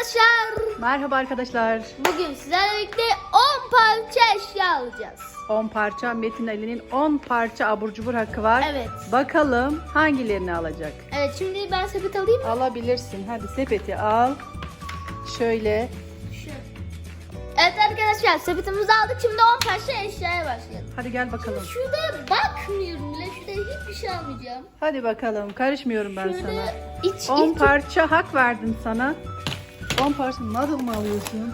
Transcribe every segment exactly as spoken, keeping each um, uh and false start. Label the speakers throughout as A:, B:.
A: arkadaşlar.
B: Merhaba arkadaşlar.
A: Bugün sizlerle birlikte on parça eşya alacağız.
B: on parça Metin Ali'nin on parça abur cubur hakkı var.
A: Evet.
B: Bakalım hangilerini alacak?
A: Evet, şimdi ben sepet alayım mı?
B: Alabilirsin. Hadi sepeti al. Şöyle.
A: Şu. Evet arkadaşlar, sepetimizi aldık. Şimdi on parça eşyaya başlayalım.
B: Hadi gel bakalım.
A: Şurada bakmıyorum bile. Şurada hiçbir şey almayacağım.
B: Hadi bakalım. Karışmıyorum ben
A: Şurada
B: sana.
A: iç,
B: on
A: iç-
B: parça hak verdim sana. on parça noodle mı alıyorsun?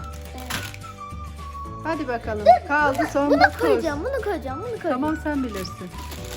B: Hadi bakalım. Kaldı son
A: Bunu
B: dokuz.
A: koyacağım, bunu koyacağım, bunu koyacağım.
B: Tamam, sen bilirsin.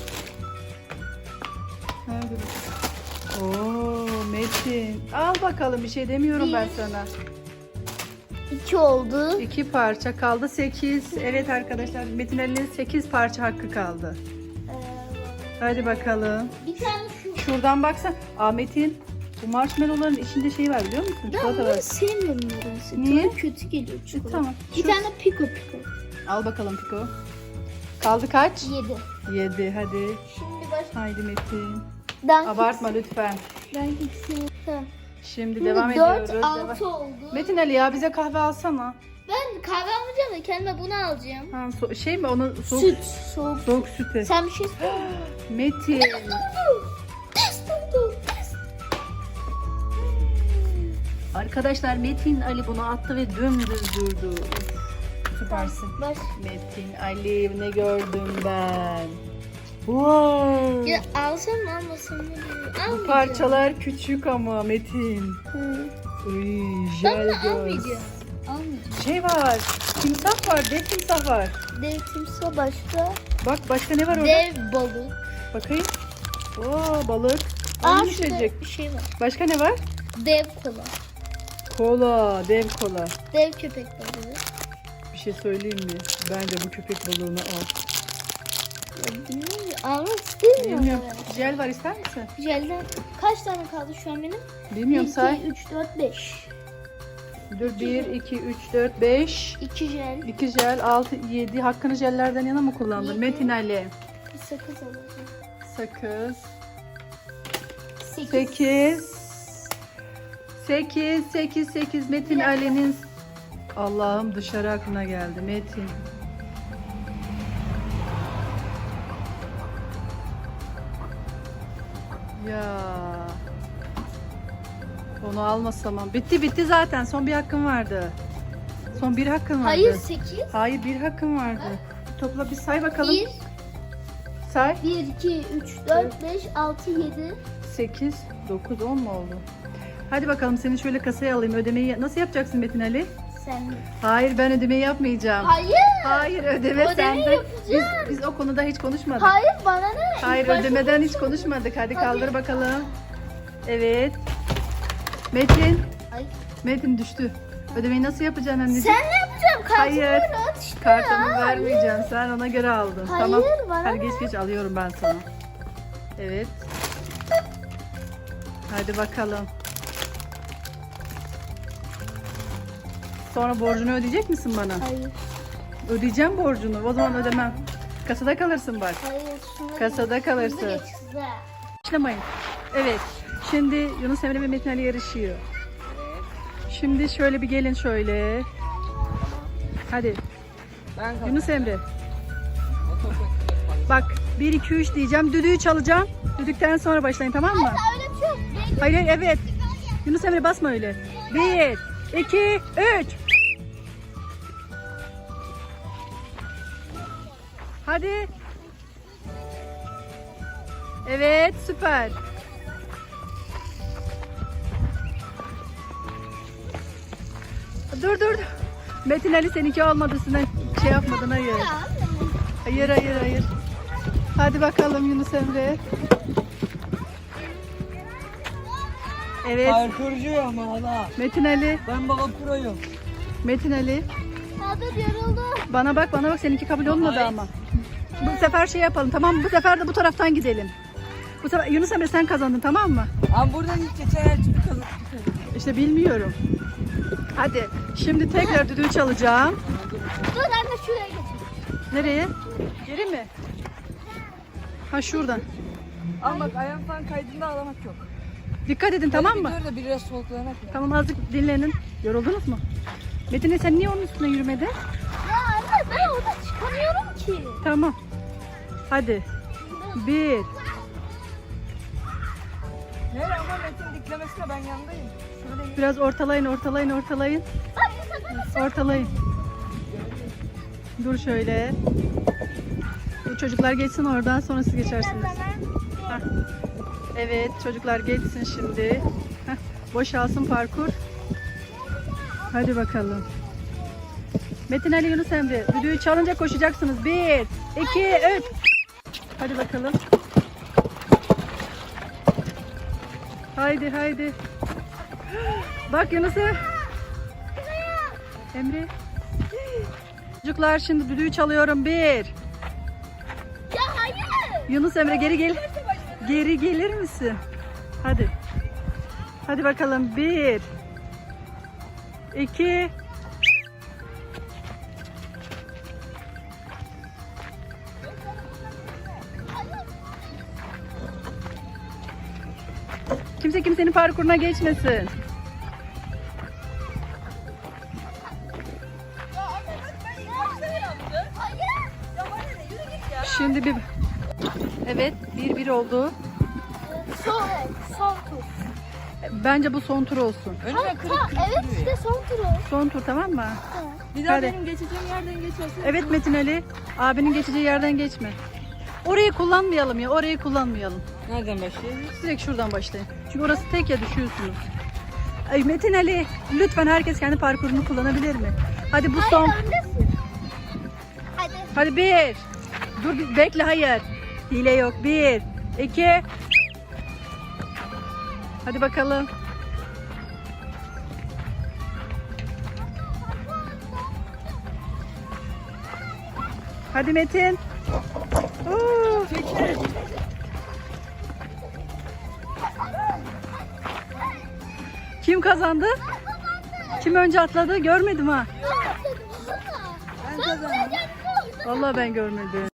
B: Hadi bakalım. Oo Metin. Al bakalım, bir şey demiyorum ben
A: Bir.
B: sana.
A: İki oldu.
B: İki parça kaldı, sekiz. Evet arkadaşlar, Metin Ali'nin sekiz parça hakkı kaldı.
A: Ee,
B: Hadi bakalım.
A: bir tane şu.
B: Şuradan baksan. Ahmet'in bu marshmallowların içinde şey var, biliyor musun?
A: Ben
B: Çikolata var.
A: bunları sevmiyorum nedense.
B: Niye?
A: Tadı kötü geliyor
B: E,
A: çikolata.
B: tamam.
A: Bir
B: Şu-
A: tane piko piko.
B: Al bakalım Piko. Kaldı kaç?
A: Yedi.
B: Yedi. Hadi.
A: Şimdi baş...
B: Haydi Metin.
A: Ben
B: Abartma lütfen.
A: Ben ikisini... Tamam.
B: Şimdi,
A: Şimdi
B: devam
A: dört,
B: ediyoruz.
A: altı
B: Devam-
A: oldu.
B: Metin Ali ya, bize kahve alsana.
A: Ben kahve almayacağım da kendime bunu alacağım.
B: Ha, so- şey mi onu soğuk
A: Süt. Soğuk.
B: soğuk sütü.
A: Sen bir şey istiyor musun?
B: Metin.
A: Test oldu. Test.
B: Arkadaşlar Metin Ali bunu attı ve dümdüz durdu. Süpersin.
A: Baş.
B: Metin Ali, ne gördüm ben. Wow.
A: Ya alsam mı almasam mı bilmiyorum.
B: Bu
A: Almayacağım.
B: parçalar küçük ama Metin.
A: Hı.
B: Uy,
A: Ben
B: jel
A: de
B: göz.
A: almayacağım. Almayacağım.
B: Şey var. Timsah var. Dev timsah var.
A: Dev timsah başka.
B: Bak başka ne var orada?
A: Dev balık.
B: Bakayım. Oo, balık.
A: Aa,
B: Aynı
A: şurada
B: içecek.
A: bir şey var.
B: Başka ne var?
A: Dev kola.
B: Kola, dev kola.
A: Dev köpek balığı.
B: Bir şey söyleyeyim mi? Bence bu köpek balığını al.
A: Ya bilmiyorum. Almak istemiyorum.
B: Bilmiyorum.
A: ben.
B: Jel var, ister misin?
A: Jelden kaç tane kaldı şu an benim?
B: Bilmiyorum, say.
A: iki, üç, dört, beş.
B: Dur, bir, iki, üç, dört, beş.
A: iki jel.
B: iki jel, altı, yedi. Hakkını jellerden yana mı kullandın?
A: Yedi.
B: Metin Ali.
A: Bir sakız alacağım.
B: Sakız.
A: sekiz.
B: sekiz. sekiz, sekiz, sekiz. Metin Ali'nin... Allah'ım, dışarı aklına geldi. Metin. Ya. Onu almasam. Bitti bitti zaten. Son bir hakkın vardı. Son bir hakkın vardı.
A: Hayır sekiz.
B: Hayır, bir hakkın vardı. Topla bir say bakalım.
A: bir,
B: Say.
A: bir, iki, üç, dört, beş, altı, yedi.
B: sekiz, dokuz, on mu oldu? Hadi bakalım, seni şöyle kasaya alayım. Ödemeyi nasıl yapacaksın Metin Ali?
A: Sen.
B: Hayır, ben ödemeyi yapmayacağım.
A: Hayır.
B: Hayır, ödeme
A: Ödemeyi
B: sende. Biz,
A: yapacağım.
B: biz o konuda hiç konuşmadık.
A: Hayır bana ne?
B: Hayır,
A: İlk başta
B: ödemeden hiç
A: konuşalım.
B: konuşmadık. Hadi,
A: Hadi.
B: kaldır bakalım. Evet. Metin.
A: Ay.
B: Metin düştü. Ödemeyi nasıl yapacaksın anneciğim?
A: Sen ne yapacaksın? Kartımı
B: Hayır.
A: ver, at işte
B: Kartımı
A: ya.
B: vermeyeceğim. Sen ona göre aldın.
A: Hayır,
B: Tamam.
A: bana
B: Hadi
A: ne?
B: geç geç alıyorum ben sana. Evet. Hadi bakalım. Sonra borcunu ödeyecek misin bana?
A: Hayır.
B: Ödeyeceğim borcunu. O zaman ödemem. Kasada kalırsın bak.
A: Hayır. Şunu
B: Kasada kalırsın.
A: Şunu geç kızlar.
B: Başlamayın. Evet. Şimdi Yunus Emre ve Metin Ali yarışıyor. Şimdi şöyle bir gelin şöyle. Hadi. Yunus Emre. Bak bir iki üç diyeceğim. Düdüğü çalacağım. Düdükten sonra başlayın, tamam mı?
A: Öyle bir şey yok. Bekle.
B: Hayır hayır, evet. Yunus Emre basma öyle. Bir, iki, üç. Hadi. Evet, süper. Dur dur. dur. Metin Ali, seninki olmadı. Sen şey yapmadın, hayır. Hayır hayır hayır. Hadi bakalım Yunus Emre. Evet.
C: Parkurcuyum ama hala.
B: Metin Ali.
C: Ben baba proyum.
B: Metin Ali.
A: Abi yoruldu.
B: Bana bak bana bak, seninki kabul olmadı
C: Hayır.
B: ama. Bu sefer şey yapalım, tamam mı? Bu sefer de bu taraftan gidelim. Bu sefer Yunus Emre sen kazandın, tamam mı?
C: Ama buradan hiç geçen her türlü kazandım.
B: İşte bilmiyorum. Hadi şimdi tekrar düdüğü çalacağım.
A: Dur anne şuraya getir.
B: Nereye? Geri mi? Ha, şuradan.
C: Ama bak ayağım falan kaydığında ağlamak yok.
B: Dikkat edin tamam mı?
C: Dur da biraz soluklanak ya.
B: Tamam azıcık dinlenin. Yoruldunuz mu? Metin Ali, sen niye onun üstüne yürümedin?
A: Ya anne ben orada çıkamıyorum ki.
B: Tamam. Hadi. Bir.
C: Ne ama Metin diklemesine ben yandayım. Şöyle yürü.
B: Biraz ortalayın, ortalayın, ortalayın.
A: Ay bu sefer
B: Ortalayın. Dur şöyle. Bu çocuklar geçsin oradan, sonra siz geçersiniz. Hah. Evet, çocuklar geçsin şimdi. Hah. Boşalsın parkur. Hadi bakalım. Metin Ali, Yunus Emre, düdüğü çalınca koşacaksınız. Bir, iki, üç. Hadi bakalım. Haydi haydi. Bak Yunus'a. Emre. Çocuklar şimdi düdüğü çalıyorum. Bir.
A: Ya hayır.
B: Yunus Emre geri gel. Geri gelir misin? Hadi. Hadi bakalım. Bir. İki. Kimse kimsenin parkuruna geçmesin. Şimdi bir... Evet, bir bir oldu.
A: Son, son tur.
B: Bence bu son tur olsun.
C: Önüme
A: Ha,
C: kırık
A: ha,
C: kırık
A: evet
C: duruyor
A: işte
C: ya.
A: son tur o.
B: Son tur tamam mı?
C: Bir daha
B: Hadi.
C: benim geçeceğim yerden geçersin.
B: Evet Metin Ali, abinin geçeceği yerden geçme. Orayı kullanmayalım ya, orayı kullanmayalım.
C: Nereden başlayayım?
B: Direkt şuradan başlayın. Çünkü orası tek ya, düşüyorsunuz. Ay Metin Ali, lütfen herkes kendi parkurunu kullanabilir mi? Hadi bu son.
A: Hayır öndesin. Hadi.
B: Hadi bir. Dur bir bekle, hayır. Hile yok. Bir, iki. Hadi bakalım. Hadi Metin. Oo. Kim kazandı? Kim önce atladı? Görmedim ha.
C: Ben kazandım.
B: Vallahi ben görmedim.